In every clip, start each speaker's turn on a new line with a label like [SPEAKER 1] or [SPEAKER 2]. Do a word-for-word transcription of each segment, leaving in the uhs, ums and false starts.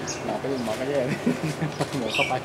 [SPEAKER 1] หมอก็หมอก็แย่หมอเข้าไป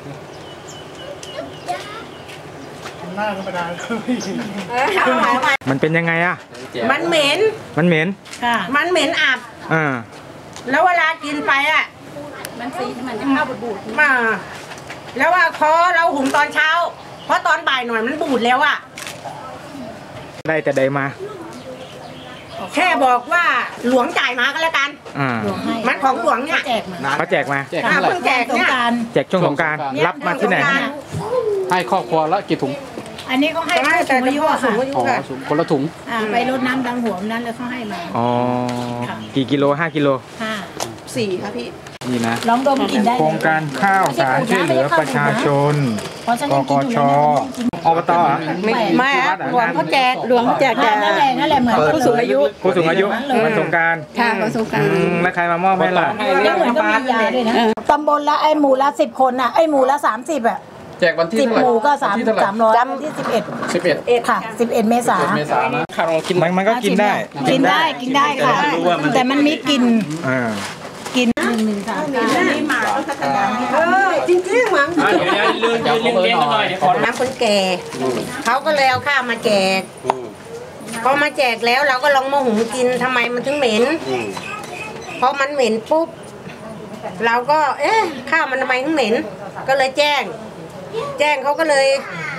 [SPEAKER 1] หน้าธรรมดา
[SPEAKER 2] มันเป็นยังไงอะ
[SPEAKER 3] มันเหม็น
[SPEAKER 2] มันเหม็น
[SPEAKER 3] ค่ะมันเหม็นอับ
[SPEAKER 2] อ่า
[SPEAKER 3] แล้วเวลากินไปอ่ะมันสีมันจะเข้าบูดมาแล้วว่าพอเราหุงตอนเช้าเพราะตอนบ่ายหน่อยมันบูดแล้วอ่ะ
[SPEAKER 2] ได้แต่ใดมา
[SPEAKER 3] แค่บอกว่าหลวงจ่ายมาก็แล้วกัน
[SPEAKER 2] อ่า
[SPEAKER 3] มันของหลวงเนี่ย
[SPEAKER 2] เขาแจกมา
[SPEAKER 3] แจกเพิ่งแจกเนี่ย
[SPEAKER 2] แจกช่วงสงกรานต์รับมาที่ไหน
[SPEAKER 1] ให้ครอบครัวละกี่ถุง
[SPEAKER 4] อันนี้เขาให้แต่อายุค่ะ
[SPEAKER 1] คนละถุง
[SPEAKER 4] ไปรดน้ำดำหัวนั้นเลยเขาให้มา
[SPEAKER 2] อ๋อกี่กิโลห้ากิโล
[SPEAKER 4] ห้า
[SPEAKER 3] สี่ค่ะพี่
[SPEAKER 2] นี่นะ
[SPEAKER 4] ลองดมกินได้
[SPEAKER 2] โครงการข้าวสารช่วยเหลือประชาชนกกชอบตอ่ะ
[SPEAKER 3] ไม่หลวงเขาแจกหลวงเขาแจกแต่
[SPEAKER 4] นั่นแหละนั่นแหละเหมือน
[SPEAKER 3] ผู้สูงอายุ
[SPEAKER 2] ผู้สูงอายุวันสงกรานต์
[SPEAKER 3] ค่ะวันสงกรานต์
[SPEAKER 2] แล้วใครมามอบให้ล่ะ
[SPEAKER 4] แล้วเหมือนก็มียาด้วยนะตำบลละไอหมู่ละสิบคนอ่ะไอหมู่ละสามสิบอ่ะ
[SPEAKER 1] แจกวันที่
[SPEAKER 4] สิบหมู่ก็สามสามร้อยที่สิบเอ็ด
[SPEAKER 1] สิบเอ็ด
[SPEAKER 4] ค่ะสิบเอ็ดเมษา
[SPEAKER 1] เมษานะข้าวเรากิน
[SPEAKER 2] มันก็กินได้
[SPEAKER 4] กินได้กินได้ค่ะแต่มันมีกลิ่น
[SPEAKER 2] อ่า
[SPEAKER 4] กินหนึ่งหนึ่งสามนี่มา
[SPEAKER 3] เออจริงจริงมั้ง
[SPEAKER 1] เดี๋ยวเลื่อนเลื่อนเลี้ยงกันหน่อยขอ
[SPEAKER 3] น้ำคนแก่เขาก็เลยเอาข้าวมาแจกพอมาแจกแล้วเราก็ลองมาหุงกินทำไมมันถึงเหม็นพอมันเหม็นปุ๊บเราก็เอ๊ะข้าวมันทำไมถึงเหม็นก็เลยแจ้งแจ้งเขาก็เลย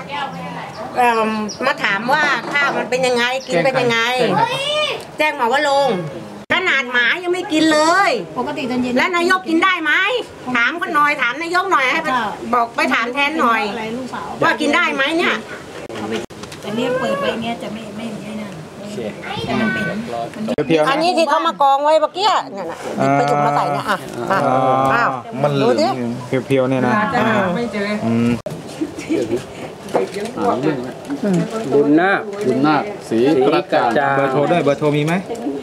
[SPEAKER 3] มาถามว่าข้าวมันเป็นยังไงกินเป็นยังไงแจ้งหมอว่าลงขนาดหมายังไม่กินเลย
[SPEAKER 4] ปกติตอนเย็น
[SPEAKER 3] แล้วนายกกินได้ไหมถามเขาหน่อยถามนายกหน่อยให้บอกไปถามแทนหน่อยว่ากินได้ไหมเนี่ย
[SPEAKER 4] แต่เนี่ยเปิดไว้เงี้ยจะไม่ไม่ไม่นั่นแต่มันเป็น
[SPEAKER 3] อันนี้ที่เขามากองไว้เมื่อกี้เนี่ยนะไปจุ่มมาใส่เนี่ยอ่ะอ้าว
[SPEAKER 2] มัน
[SPEAKER 3] ดูดิ
[SPEAKER 2] เพียวๆเนี่ยนะ
[SPEAKER 3] ไม่เจอ
[SPEAKER 1] บุญนาคบุญนาคสีกระจา
[SPEAKER 2] เบอร์โทรด้วยเบอร์โทรมีไหม